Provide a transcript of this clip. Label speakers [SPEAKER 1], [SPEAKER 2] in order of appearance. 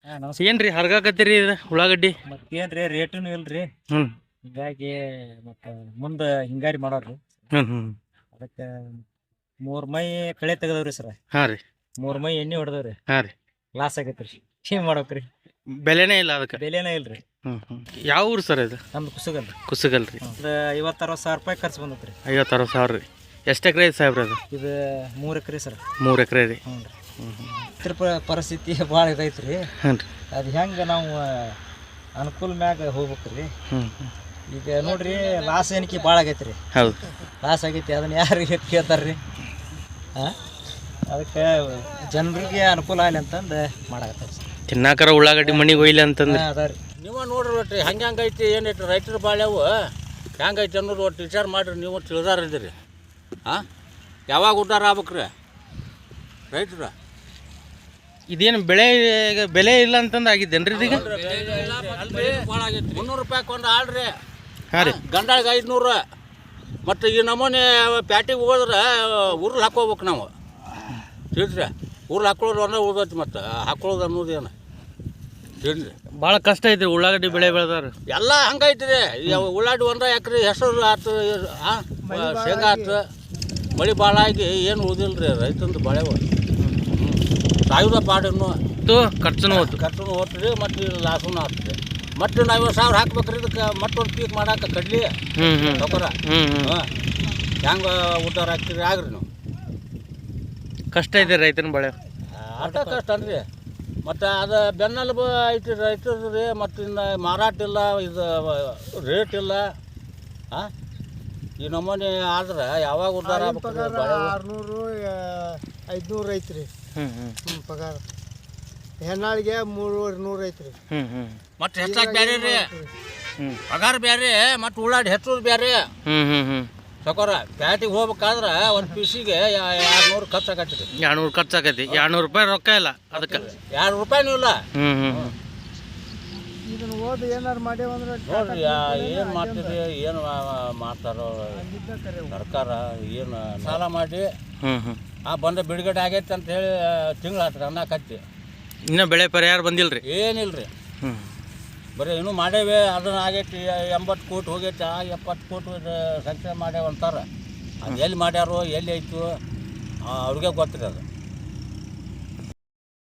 [SPEAKER 1] ಏನ್ರಿ ಹರ್ಗಾಕತ್ತೀರಿ ಇದು ಉಳ್ಳಾಗಡ್ಡಿ?
[SPEAKER 2] ಮತ್ತೇನ್ರಿ ರೇಟುನು ಇಲ್ರಿ,
[SPEAKER 1] ಹ್ಞೂ
[SPEAKER 2] ಹಿಂಗಾಗಿ ಮತ್ತೆ ಮುಂದೆ ಹಿಂಗಾರಿ ಮಾಡೋರ್ರಿ.
[SPEAKER 1] ಹ್ಞೂ ಹ್ಞೂ
[SPEAKER 2] ಅದಕ್ಕೆ 3 ಮೈ ಕಳೆ ತೆಗದವ್ರಿ ಸರ್.
[SPEAKER 1] ಹಾಂ ರೀ
[SPEAKER 2] 3 ಮೈ ಎಣ್ಣೆ ಹೊಡೆದವ್ರಿ.
[SPEAKER 1] ಹಾಂ ರೀ
[SPEAKER 2] ಲಾಸ್ ಆಗೈತ್ರಿ. ಏನ್ ಮಾಡ್ಬೇಕ್ರಿ,
[SPEAKER 1] ಬೆಲೆನೇ ಇಲ್ಲ ಅದಕ್ಕೆ.
[SPEAKER 2] ಬೆಲೆನೇ ಇಲ್ರಿ.
[SPEAKER 1] ಹ್ಞೂ ಹ್ಞೂ ಯಾವ ಊರು ಸರ್ ಇದು?
[SPEAKER 2] ನಮ್ದು ಕುಸುಗಲ್ರಿ.
[SPEAKER 1] ಕುಸಗಲ್ ರೀ.
[SPEAKER 2] ಒಂದು 50-60 ಸಾವಿರ ರೂಪಾಯಿ ಖರ್ಚು ಬಂದತ್ರಿ.
[SPEAKER 1] 50-60 ಸಾವಿರ ರೀ. ಎಷ್ಟು ಎಕರೆ ಐತೆ ಸಾಹೇಬ್ರಿ ಅದು?
[SPEAKER 2] ಇದು 3 ಎಕರೆ ಸರ್.
[SPEAKER 1] 3 ಎಕರೆ ರೀ.
[SPEAKER 2] ಹ್ಞೂ ರೀ.
[SPEAKER 1] ಹ್ಞೂ ಹ್ಞೂ
[SPEAKER 2] ಪರಿಸ್ಥಿತಿ ಭಾಳ ಇದೈತ್ರಿ.
[SPEAKER 1] ಹ್ಞೂ ರೀ.
[SPEAKER 2] ಅದು ಹೆಂಗೆ ನಾವು ಅನುಕೂಲ ಮ್ಯಾಗ ಹೋಗ್ಬೇಕ್ರಿ.
[SPEAKER 1] ಹ್ಞೂ
[SPEAKER 2] ಈಗ ನೋಡ್ರಿ ಲಾಸ್ ಏನಕ್ಕೆ ಭಾಳ ಆಗೈತ್ರಿ.
[SPEAKER 1] ಹೌದು
[SPEAKER 2] ಲಾಸ್ ಆಗೈತಿ, ಅದನ್ನ ಯಾರು ಕೇಳ್ತಾರ್ರಿ? ಹಾಂ, ಅದಕ್ಕೆ ಜನರಿಗೆ ಅನುಕೂಲ ಆಗಲಿ ಅಂತಂದು ಮಾಡಾಕತ್ತಾರೆ ಸರ್.
[SPEAKER 1] ತಿನ್ನಾಕರ ಉಳ್ಳಾಗಡ್ಡಿ ಮನಿಗೆ ಒಯ್ಲಿ ಅಂತಂದ್ರೆ
[SPEAKER 2] ಅದ ರೀ.
[SPEAKER 3] ನೀವು ನೋಡ್ರಿ ಒಟ್ಟು ಹೆಂಗೈತಿ ಏನೈತಿ ರೈತರ ಬಾಳ್ಯಾವು ಹೆಂಗೈತಿ ಅನ್ನೋದು ಒಟ್ಟು ವಿಚಾರ ಮಾಡಿರಿ. ನೀವು ತಿಳಿದಾರಿದ್ದೀರಿ. ಹಾಂ, ಯಾವಾಗ ಉದ್ಧಾರ ಆಗ್ಬೇಕ್ರಿ ರೈತರ?
[SPEAKER 1] ಇದೇನು ಬೆಲೆ ಇಲ್ಲ ಅಂತಂದು ಆಗಿದ್ದೇನ್ರಿ ಇದೀಗ?
[SPEAKER 3] ಭಾಳ ಆಗೈತಿ. 300 ರೂಪಾಯಿ ಒಂದು ಆಳ್ರಿ.
[SPEAKER 1] ಹಾಂ ರೀ.
[SPEAKER 3] ಗಂಡಾಳಿಗೆ 500. ಮತ್ತು ಈ ನಮೂನೆ ಪ್ಯಾಟಿಗೆ ಹೋದ್ರೆ ಉರ್ಲ್ ಹಾಕೋಬೇಕು ನಾವು, ತಿಳಿದ್ರಿ? ಉರ್ಲ್ ಹಾಕೊಳ್ಳೋದು ಅಂದ್ರೆ ಉಳ್ದೈತಿ, ಮತ್ತು ಹಾಕೊಳ್ಳೋದು ಅನ್ನೋದು ಏನು ತಿಳಿದ್ರಿ?
[SPEAKER 1] ಭಾಳ ಕಷ್ಟ ಐತ್ರಿ ಉಳ್ಳಾಗಡ್ಡಿ ಬೆಳೆ ಬೆಳೆದಾರ
[SPEAKER 3] ಎಲ್ಲ ಹಂಗೈತ್ರಿ. ಉಳ್ಳಾಡಿ 1 ಎಕರೆ ಹೆಸರು ಆಯ್ತು, ಶೇಂಗಾ ಆಯ್ತು. ಮಳೆ ಭಾಳ ಆಗಿ ಏನು ಉಳಿದಿಲ್ಲ ರೀ ರೈತಂದು ಬಾಳೆವು. ಸಾಯುಧ ಪಾಡನ್ನು
[SPEAKER 1] ಖರ್ಚುನು ಹೋತು.
[SPEAKER 3] ಖರ್ಚುನು ಹೋಗ್ತದೆ, ಮತ್ತು ಲಾಸೂ ಆಗ್ತದೆ. ಮತ್ತು 50,000 ಹಾಕ್ಬೇಕ್ರಿ ಇದಕ್ಕೆ. ಮತ್ತೊಂದು ಪೀಕ್ ಮಾಡಾಕ ಕಡ್ಲಿ ತೊಗೊರ. ಹಾಂ, ಹೆಂಗೆ ಉದ್ಧಾರ ಆಗ್ತೀರಿ ಆಗ್ರಿ ನೀವು.
[SPEAKER 1] ಕಷ್ಟ ಐತೆ ರೈತನ ಬೆಳೆ.
[SPEAKER 3] ಆಟ ಕಷ್ಟ ಅನ್ರಿ. ಮತ್ತು ಅದು ಬೆನ್ನೆಲುಬು ಐತಿ ರೈತರು ರೀ. ಮತ್ತು ಇನ್ನು ಮಾರಾಟ ಇಲ್ಲ, ಇದು ರೇಟ್ ಇಲ್ಲ. ಹಾಂ, ಈ ನಮೂನೆ ಆದ್ರೆ ಯಾವಾಗ ಉದ್ಧಾರ ಆಗ್ಬೇಕು?
[SPEAKER 2] 600-500 ಐತ್ರಿ. ಪಗಾರ ಹೆಣ್ಣಾಳಿಗೆ 300 ಐತ್ರಿ.
[SPEAKER 3] ಮತ್ತು ಹೆಚ್ಚಾಗಿ ಬೇರೆ ರೀ, ಪಗಾರ ಬೇರೆ, ಮತ್ತು ಉಳ್ಳಾಡಿ ಹೆಚ್ಚೋದು ಬೇರೆ. ಸಕೋರ ಪ್ಯಾಟಿಗೆ ಹೋಗ್ಬೇಕಾದ್ರೆ ಒಂದು ಪೀಸಿಗೆ 200 ಖರ್ಚು ಆಗತ್ತೀರಿ.
[SPEAKER 1] 200 ಖರ್ಚಾಗೈತಿ. 200 ರೂಪಾಯಿ ರೊಕ್ಕ ಇಲ್ಲ ಅದಕ್ಕೆ.
[SPEAKER 3] 2 ರೂಪಾಯಿನೂ ಇಲ್ಲ.
[SPEAKER 2] ಇದನ್ನ ಓದಿ ಏನಾರು ಮಾಡ್ಯಾವಂದ್ರೆ
[SPEAKER 3] ನೋಡ್ರಿ ಏನು ಮಾಡ್ತೀರಿ, ಏನು ಮಾಡ್ತಾರೋ ಸರ್ಕಾರ. ಏನು ಸಾಲ ಮಾಡಿ ಬಂದ ಬಿಡುಗಡೆ ಆಗೈತೆ ಅಂತ ಹೇಳಿ ತಿಂಗಳಾತ್ರಿ ಅನ್ನಕತ್ತಿ.
[SPEAKER 1] ಇನ್ನೂ ಬೆಳೆ ಪರಿಹಾರ ಬಂದಿಲ್ಲ ರೀ?
[SPEAKER 3] ಏನಿಲ್ಲ ರೀ. ಬರೀ ಇನ್ನೂ ಮಾಡೇವೆ. ಅದನ್ನ ಆಗೈತಿ 80 ಕೋಟಿ ಹೋಗೈತಿ. 70 ಕೋಟಿ ಸಂಖ್ಯೆ ಮಾಡ್ಯಾವ ಅಂತಾರೆ. ಅದು ಎಲ್ಲಿ ಮಾಡ್ಯಾರೋ ಎಲ್ಲಿ ಐತು ಅವ್ರಿಗೆ ಗೊತ್ತಿರಿ ಅದು.